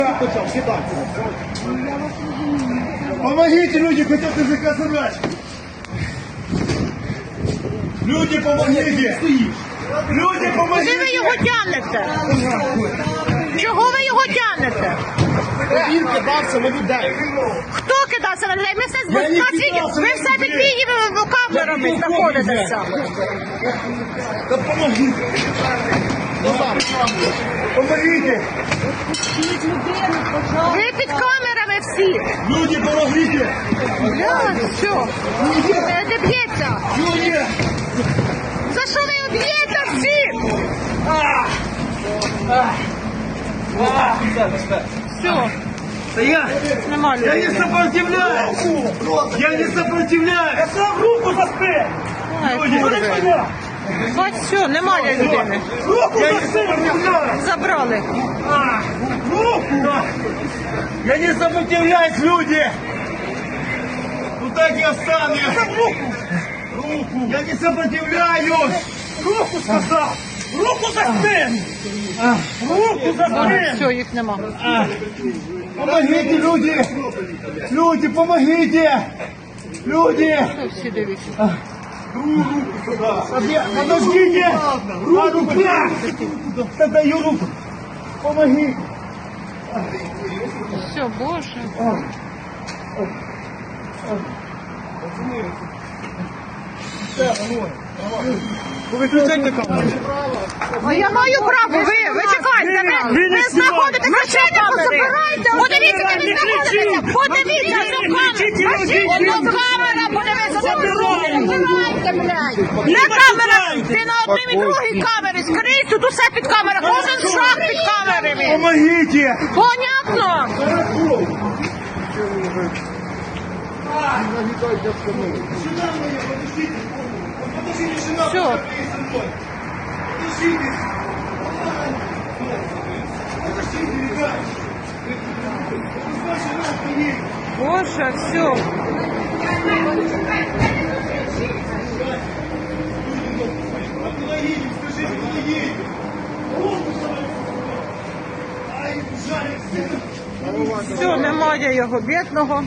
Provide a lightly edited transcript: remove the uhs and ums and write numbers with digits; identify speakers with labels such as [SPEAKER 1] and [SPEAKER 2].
[SPEAKER 1] Помогите, люди хотят языка забрать. Люди, помогите. Люди, помогите.
[SPEAKER 2] Куди ви його тягнете? Чого ви його тягнете?
[SPEAKER 1] Він кидався на людей.
[SPEAKER 2] Хто кидався на людей? Ми все
[SPEAKER 1] Я не
[SPEAKER 2] ви
[SPEAKER 1] кидався на
[SPEAKER 2] все під
[SPEAKER 1] людей.
[SPEAKER 2] камерами знаходитеся.
[SPEAKER 1] Да помогите. Помогите.
[SPEAKER 2] Ви під камерами всі.
[SPEAKER 1] Люди, помогите.
[SPEAKER 2] Все. Не б'ється.
[SPEAKER 1] Люди.
[SPEAKER 2] За що ви б'єте всі? Все.
[SPEAKER 1] Да я
[SPEAKER 2] Нема
[SPEAKER 1] не
[SPEAKER 2] людей.
[SPEAKER 1] сопротивляюсь. Я не сопротивляюсь. Я сам руку заспи.
[SPEAKER 2] Ай,
[SPEAKER 1] Люди,
[SPEAKER 2] курви. Бать, все, немає людини.
[SPEAKER 1] я не сопротивляюсь.
[SPEAKER 2] Забрали.
[SPEAKER 1] Руку. Я не сопротивляюсь, люди. Ну так и останусь. Руку. Я не сопротивляюсь. Руку сказал. Руку за спину. Руку за спину.
[SPEAKER 2] Все, їх нема.
[SPEAKER 1] Помогите, люди. Люди, помогите. Люди.
[SPEAKER 2] Всі дивіться.
[SPEAKER 1] Подождите. Руку. Да даю руку. Помогите.
[SPEAKER 2] Все, Боже.
[SPEAKER 1] Выключайте камеру.
[SPEAKER 2] А я маю право, ви чекайте, ви знаходитеся в камері. Подивіться, де ви знаходитеся, подивіться, одну камера, подивіться, де ви знаходитеся. Де камера? Ти на одній і другій камері, скрізь, тут усе під камерою, кожен шаг під камерами.
[SPEAKER 1] Помогите.
[SPEAKER 2] Понятно? Все. Боже, все. Все, немає його бідного.